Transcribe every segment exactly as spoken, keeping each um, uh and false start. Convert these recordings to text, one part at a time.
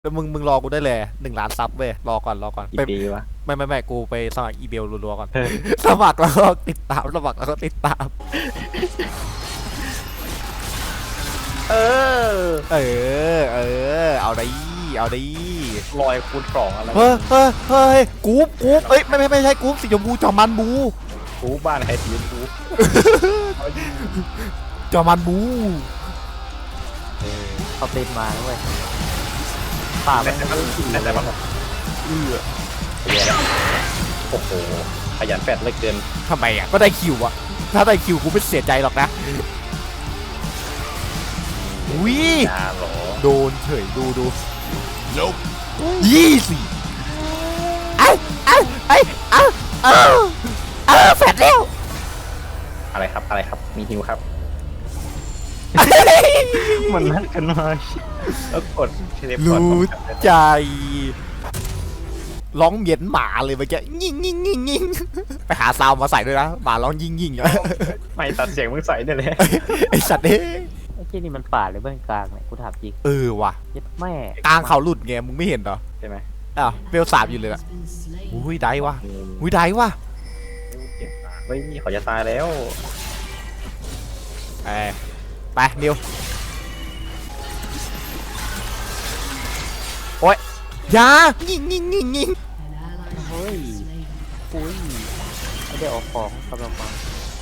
แล้วมึงมึงรอกูได้เลยหนึ่งล้านซับเว้ยรอก่อนรอก่อนไปกี่ปีวะไม่ไม่ไม่กูไปสมัครอีเมลรัวๆก่อน สมัครแล้วก็ติดตามสมัครแล้วก็ติดตามเออเออเออเอาดิเอาดิลอยคูณสองอะไรเฮ้ยเฮ้ยเฮ้ยกรุ๊ปกรุ๊ปเอ้ยไม่ไม่ไม่ใช่กรุ๊ปสีชมพูจอมันบูกูบ้านใครสีชมพูจอมันบูเขาติดมาแล้วเว้ยป่าแต่มันแต่แต่แต่ว่าเอื้อเหี้ยแล้วโอ้โหขยันแฟดเหลือเกินทำไมอ่ะก็ได้คิวอ่ะถ้าได้คิวกูไม่เสียใจหรอกนะอุ้ยยาเหรอโดนเฉยดูดูยี่สิไอ้ไอ้ไอ้เอ้าเอ้าเอ้าแฟดแล้วอะไรครับอะไรครับมีฮิวครับมันนัดกันมาแล้วกดเทเลพอร์ตรู้ใจร้องเหย็นหมาเลยเมื่อกี้ยิงยิงยิงยิงไปหาซาวมาใส่ด้วยนะหมาร้องยิงยิงไม่ตัดเสียงมึงใส่เนี่ยเลยไอสัตว์เอ้ยไอ้ที่นี่มันป่าหรือเบื้องกลางเนี่ยกูถามจริงเออว่ะยึดแม่กลางเขาหลุดไงมึงไม่เห็นเหรอใช่ไหมอ้าวเบลสามอยู่เลยอ่ะอุ้ยได้วะอุ้ยได้วะเฮ้ยนี่เขาจะตายแล้วไปไปนิวโอ๊ยอยายิงยิงยิงยิงเฮ้ยอุ้ยไม่ได้ออกของกำลังมา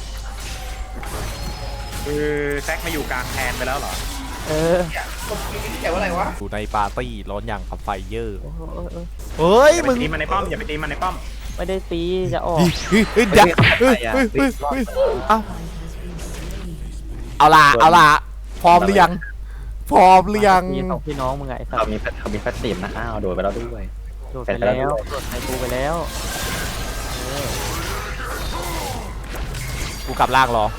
คือแซกมาอยู่กลางแทนไปแล้วเหรอเอออยู่ในปาร์ตี้ร้อนอย่างกับไฟเยอร์โอ้โหเออเออเฮ้ยอย่าไปมึงตีมันในป้อมอย่าไปตีมันในป้อมไม่ได้ตีจะออกเฮ้ยเฮ้ยเฮ้ยเฮ้ยเฮ้ยเฮ้ยเฮ้ยเอาเอาล่ะเอาล่ะพร้อมหรือยังพร้อมหรือยังมีสองพี่น้องมึงไงไอ้สัตเขาว์มีเขามีแฟตติมนะอ้าวโดนไปแล้วด้วยโดดไปแล้วโดดไปกูไปแล้วเออกูกลับล่างรอ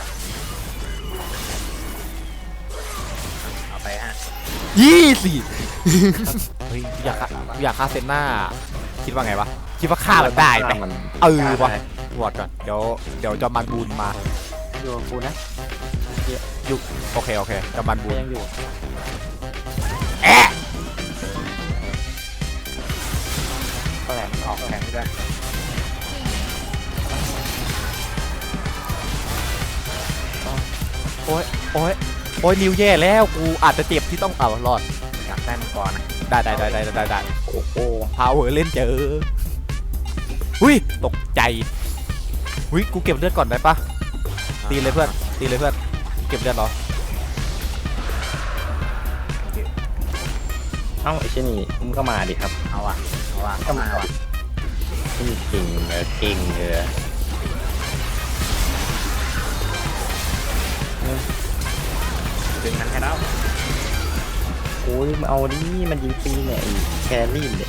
เอาไปฮะยี่สิเฮ้ยอยากฆ่าอยากฆ่าเซนหน้าคิดว่าไงวะคิดว่าฆ่ามันได้ไหมเออวะวอดก่อนเดี๋ยวเดี๋ยวจอมันบูนมาอยู่กับกูนะยุโอเคโอเคจอมันบูก็นยังอยู่แอะก็แหลมออกแข็งด้วยโอ้ยโอ้ยโอ้ยนิวแย่แล้วกูอาจจะเจ็บที่ต้องเอารอดอยากได้มังกรนะได้ได้ได้ได้ได้ได้โอ้โหพาวเวอร์เล่นเจอหุ้ยตกใจหุ้ยกูเก็บเลือดก่อนได้ปะตีเลยเพื่อนตีเลยเพื่อนเก็บเลือดเหรอเอ้าไอ้เช่นนี่มึงก็มาดิครับเอาอ่ะเอาอ่ะก็มาว่ะนี่เก่งเออเก่งเออดึงมันให้แล้วโอ้ยมาเอาดิมันยิงฟรีเนี่ยไอ้แครี่เนี่ย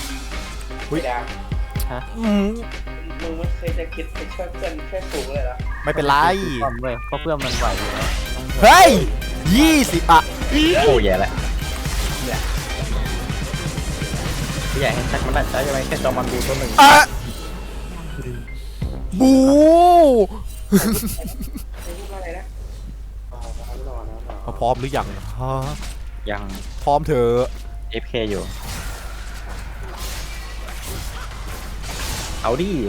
อืมมึงไม่เคยจะคิดไปช่วยเพื่อนแค่สูงเลยเหรอไม่เป็นไรป้อมเว้ยเพราะเพื่อนมันไหวอยู่แล้วเฮ้ยยี่สิบอะโอ้แย่แล้วเนี่ยอยากให้แซกมันได้ใช้ยังไงแค่จอมันดูตัวหนึ่งอะบูไม่พูดว่าอะไรนะอ๋อรอรอรอพร้อมหรือยังฮะยังพร้อมเถอะเอฟเคอยู่เอาดิ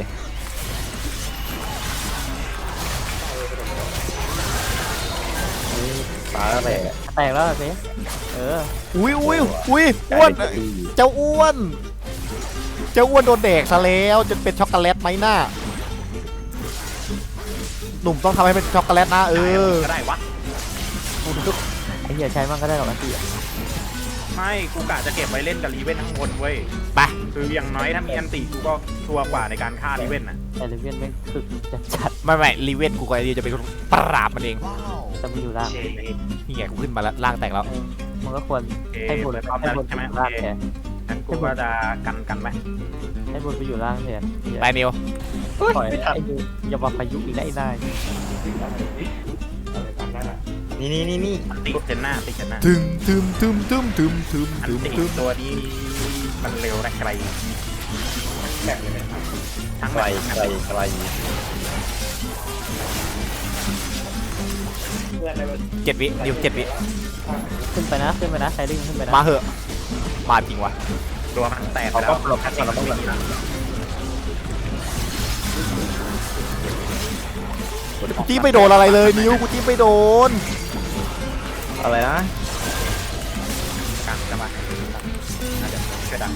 ตายแล้วแหละแตกแล้วสิเอออุ้ยอุ้ยอุ้ยอ้วนเจ้าอ้วนเจ้าอ้วนโดนแดกซะแล้วจนเป็นช็อกโกแลตไหมหน้าหนุ่มต้องทำให้เป็นช็อกโกแลตนะเออก็ได้วะไอ้เหี้ยใช้มันก็ได้หรอกนะพี่ไม่กูกะจะเก็บไว้เล่นกับรีเวนทั้งคนเว้ยไปคืออย่างน้อยถ้ามีอันติกูก็ชัวร์กว่าในการฆ่ารีเวนน่ะแต่เลเวียนแม่งคึกจัดจัดไม่ไม่รีเวนกูกับไอเดียจะเป็นคนปราบมันเองแต่มันอยู่ล่างนี่ไงกูขึ้นมาแล้วล่างแตกแล้วเออมันก็ควรให้บนเลยพร้อมให้แล้วบนใช่ไหมอยู่โอล่างเคแทนงั้นกูก็จะกันกันไหมให้บนไปอยู่ล่างแทนไปนิวปล่อยไอ้ดูอย่ามาพายุอีกนะไอ้นายนี่นี่นี่นี่ติดเจนหน้าติดเจนหน้าถึมถึมถึมถึมถึมถึมอันถึมติถึมตัวนี้มันเร็วและไกลแบบเลยนะทั้งไกลไกลไกลเพื่อนอะไรแบบเจ็ดวินิวเจ็ดวิขึ้นไปนะขึ้นไปนะใครดิ้งขึ้นไปนะมาเหอะมาจริงวะตัวมันแตกแล้วเราพัดเราต้องแบบนั้นกูจี้ไม่โดนอะไรเลยนิ้วกูจี้ไม่โดนอะไรนะกลางจะมาน่าจะช่วยดัง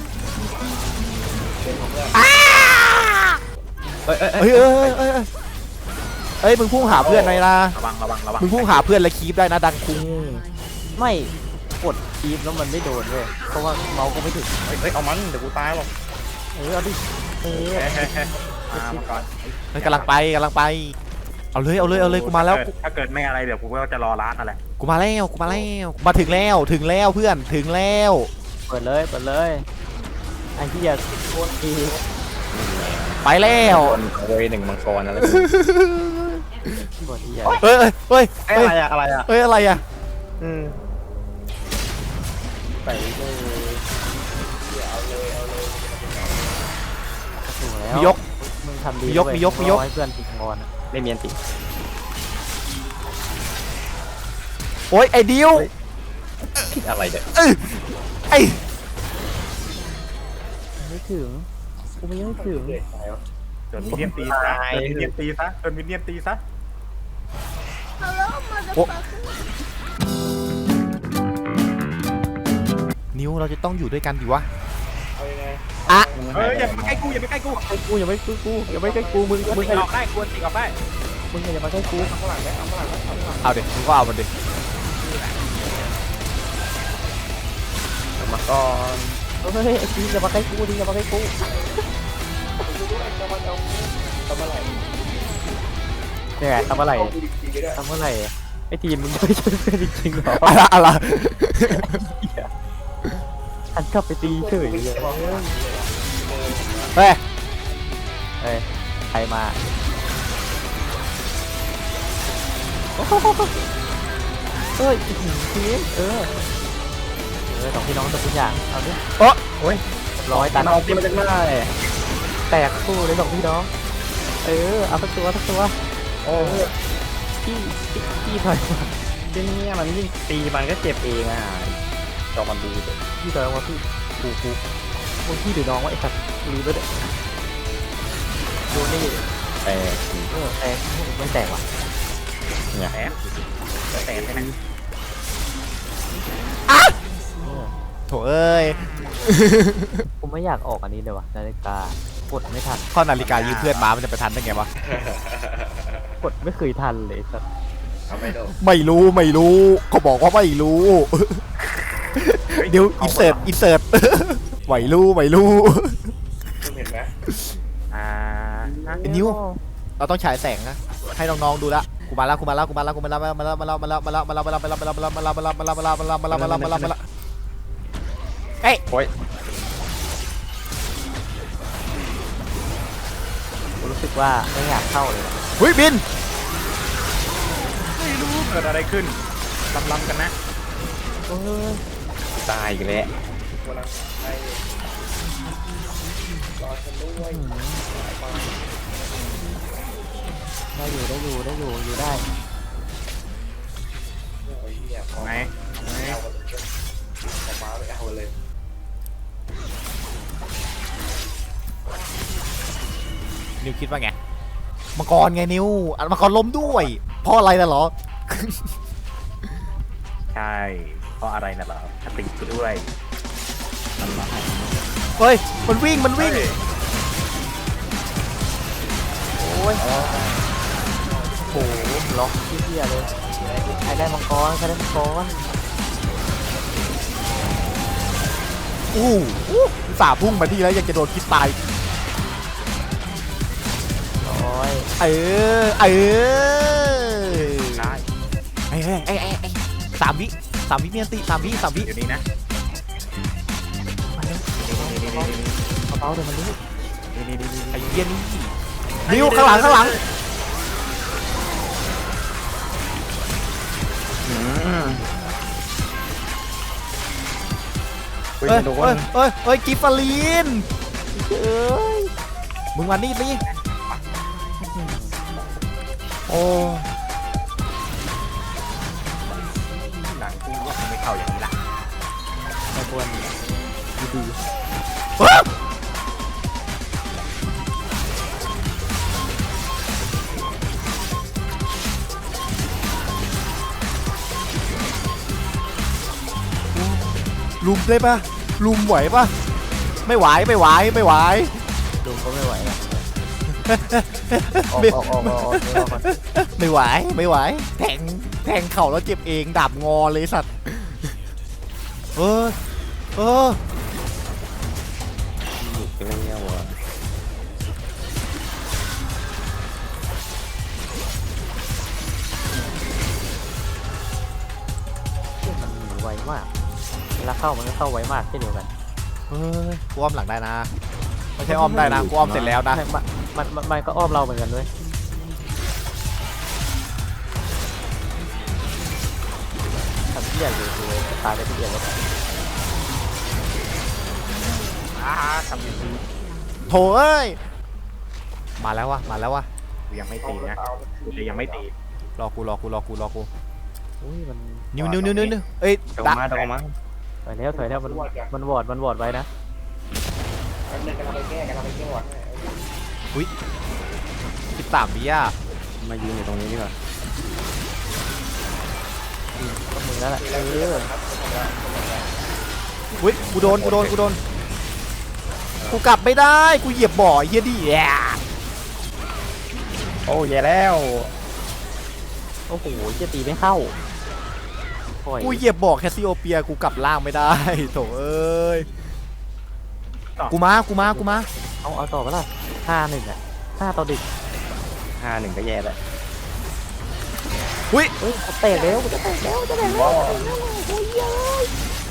เอ้ยเอ้ยเอ้ยเอ้ยเอ้ยเอ้ยเอ้ยมึงพุ่งหาเพื่อนหน่อยนะระวังระวังระวังมึงพุ่งหาเพื่อนแล้วคีบได้นะดังคุงไม่กดคีบแล้วมันไม่โดนเว้ยเพราะว่าเมาส์ก็ไม่ถึงเฮ้ยเอามันเดี๋ยวกูตายหรอกเออเอาดิเออเฮ้ยเฮ้ยเฮ้ยมามาก่อนเฮ้ยกำลังไปกำลังไปเอาเลยเอาเลยเอาเลยกูมาแล้วถ้าเกิดไม่อะไรเดี๋ยวกูก็จะรอร้านอะไรกูมาแล้วกูมาแล้วมาถึงแล้วถึงแล้วเพื่อนถึงแล้วเปิดเลยเปิดเลยไอ้ที่อยากโคตรดีไปแล้วโวยหนึ่งมังกรอะไรกดที่อยากเอ้ยเอ้ยเอ้ยอะไรอะอะไรอะเอ้ยอะไรอะอืมไปเลยถูกแล้วมียกมึงทำดีมียกมียกมียกให้เพื่อนติดงอนไม่มีอันติโอ้ยไอ้ดิวคิดอะไรเด็กเอ้ยไอ้ไม่ถึงกูไม่ยังไม่ถึงจนมินเนี่ยนตีซะจนมินเนี่ยนตีซะจนมินเนี่ยนตีซะโอ้นิวเราจะต้องอยู่ด้วยกันดิวะเอายังไงอะเฮ้ยอย่ามาใกล้กูอย่ามาใกล้กูไอ้กูอย่าไม่กูกูอย่าไม่ใกล้กูมึงมึงออกได้กวนติออกได้มึงอย่ามาใกล้กูเอาข้างหลังไหมเอาข้างหลังไหมเอาข้างหลังเอาดิมึงก็เอามันดิมาก่อนเฮ้ยไอ้จีอย่ามาใกล้กูดิอย่ามาใกล้กูจะมาเอาทำอะไรเนี่ยทำอะไรเอากูดีๆก็ได้ทำอะไรไอ้ทีมมึงไม่ช่วยเพื่อนจริงๆหรออะไรอะไรฉันกลับไปตีเฉยเลยเฮ้ยเอ้ยใครมาเอ้ยทีมเออเออสองพี่น้องตัวทุกอย่างเอาดิโอ้โอ้ยร้อยตันเอาตีมาจากไหนแตกคู่เลยสองพี่น้องเออเอาสักตัวสักตัวโอ้พี่พี่ถอยมาที่นี่มันยิ่งตีมันก็เจ็บเองอ่ะจอมันดูเด็กพี่ถอยมาพี่กูกูมึงพี่หรือน้องวะไอ้สัตว์รู้แล้วเด็กดูนี่แต่เออแตกไม่แตกว่ะเนี่ยแอบแต่ใช่ไหมเออโถเอ้ยผมไม่อยากออกอันนี้เลยว่ะนาฬิกากดไม่ทันข้อนาฬิกายืมเพื่อนมามันจะไปทันได้ไงวะกดไม่เคยทันเลยสัตว์เอาไม่โดนไม่รู้ไม่รู้ก็บอกว่าไม่รู้ เดี๋ยวอินเสิร์ตอินเสิร์ต ไม่รู้ไม่รู้คุณเห็นไหมอ่าไอ้นิ้ว เราต้องฉายแสงนะให้น้องๆดูละกูมาแล้วกูมาแล้วกูมาแล้วกูมาแล้วมาแล้วมาแล้วมาแล้วมาแล้วมาแล้วมาแล้วมาแล้วมาแล้วมาแล้วมาแล้วมาแล้วมาแล้วมาแล้วมาแล้วมาแล้วมาแล้วมาแล้วมาแล้วเอ้ยโอ้ยผมรู้สึกว่าไม่อยากเข้าเลยว่ะเฮ้ยบินไม่รู้เกิดอะไรขึ้นลำๆกันนะเออตายอีกแล้วกำลังให้รอฉันด้วยได้อยู่ได้อยู่ได้อยู่อยู่ได้โอ้ยเนี่ยพอไงไงเอาเลยออกมาเลยเอาเลยนิวคิดว่าไงมังกรไงนิวอันมังกรล้มด้วยเพราะอะไรน่ะเหรอใช่เพราะอะไรน่ะเหรอสติกูด้วยเฮ้ยมันวิ่งมันวิ่งโอ้ยโหล็อกที่เหี้ยเลยใครได้มังกรใครได้มังกรอู้อู้สาพุ่งมาที่แล้วยังจะโดนคิดตายร้อยเออเออได้ไอ้ไอ้ไอ้ไอ้ไอ้สามวิสามวิเมียนติสามวิสามวิเดี๋ยวนี้นะมาเร็วนี่นี่นี่นี่เบาๆเดี๋ยวมันรู้นี่นี่นี่นี่ไอ้เหี้ยนี่นิวข้างหลังข้างหลังอืมเอ้ยเอ้ยเอ้ยเอ้ยกิฟฟาลีนเอ้ยมึงมานี่นี่โอ้หนังกูว่าไม่เข้าอย่างนี้ละไม่ควรดีลุมได้ปะลุมไหวปะไม่ไหวไม่ไหวไม่ไหวลุงก็ไม่ไหวแล้วออกไม่ออกออกออกออกออกก่อนไม่ไหวไม่ไหวแทงแทงเข่าแล้วเจ็บเองดาบงอเลยสัตว์เออเออหยุดไปแล้วอ่ะมันหนีไวมากเวลาเข้ามันก็เข้าไวมากเช่นเดียวกันเฮ้ยกูอ้อมหลังได้นะไม่ใช่อ้อมได้นะกูอ้อมเสร็จแล้วนะใช่มันมันมันมันก็อ้อมเราเหมือนกันด้วยทำที่ใหญ่อยู่คือตายไปที่เดียวแล้วอ้าทำอย่างนี้โถเอ้ยมาแล้ววะมาแล้ววะกูยังไม่ตีนะกูจะยังไม่ตีรอกูรอกูรอกูรอกูอุ้ยมันนิ้วนิ้วนิ้วนิ้วนิ้วเอ้ยเดี๋ยวดักมาเดี๋ยวมาถอยแล้วถอยแล้วมันมันวอดมันวอดไว้นะแป๊บนึงกำลังไปแก้กำลังไปแก้หวัดให้สิบสามวิอ่ะมายืนอยู่ตรงนี้ดีกว่าก็มึงแล้วแหละเอออุ้ยกูโดนกูโดนกูโดนกูกลับไม่ได้กูเหยียบบ่อไอ้เฮียดิแย่โอ้แย่แล้วโอ้โหจะตีไม่เข้าโอ้ยกูเหยียบบ่อแคสซิโอเปียกูกลับล่างไม่ได้โถเอ้ยกูมากูมากูมาเอาเอาต่อไปละห้าหนึ่งอ่ะห้าต่อดึกห้าหนึ่งก็แย่แล้วอุ้ยเฮ้ยจะแตกแล้วจะแตกแล้วจะแตกแล้วโอ้ยเย้ย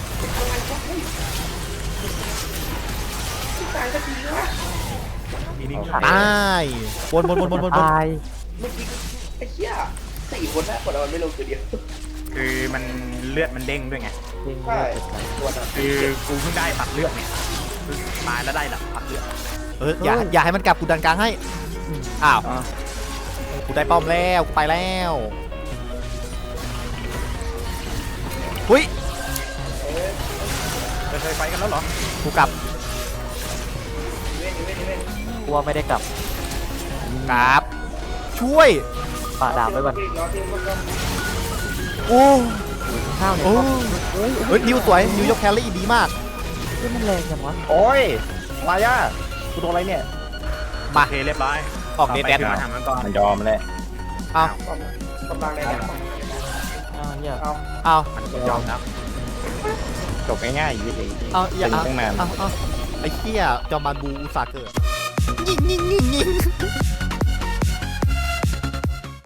มีนิ่งตายบนบนบนบนบนบนตายเมื่อกี้ไอ้เหี้ยสี่คนนะกดเอามันไม่ลงตัวเดียวคือมันเลือดมันเด้งด้วยไงเด้งใช่เลือดเป็นไงตัวนั้นคือกูเพิ่งได้ตัดเลือดเนี่ยคือตายแล้วได้หลักตัดเลือดเอออย่าอย่าให้มันกลับกูดันกลางให้อ้าวอ๋อกูได้ป้อมแล้วกูไปแล้วอุ้ยจะเคยไฟกันแล้วเหรอกูกลับเว้นเว้นเว้นกลัวไม่ได้กลับกลับช่วยป่าดาบไว้ก่อนรอเทียมรอเทียมโอ้ข้าวเนี่ยโอ้เฮ้ยเฮ้ยนิวสวยนิวยกแคลรี่ดีมากเฮ้ยมันแรงจังวะโอ้ยมาย่ากูโดนอะไรเนี่ยมาโอเคเรียบร้อยออกเดทแดนมาทำมันก่อนมันยอมแล้วเอากำลังได้เนี่ยอ้าวเหี้ยเอาเอามันยอมแล้วจบง่ายๆอย่างนี้เองเอาอย่าตีเอาตั้งนานเอาเอาไอ้เหี้ยจอมบานบูอุตสาห์เกิดยิงยิงยิงยิง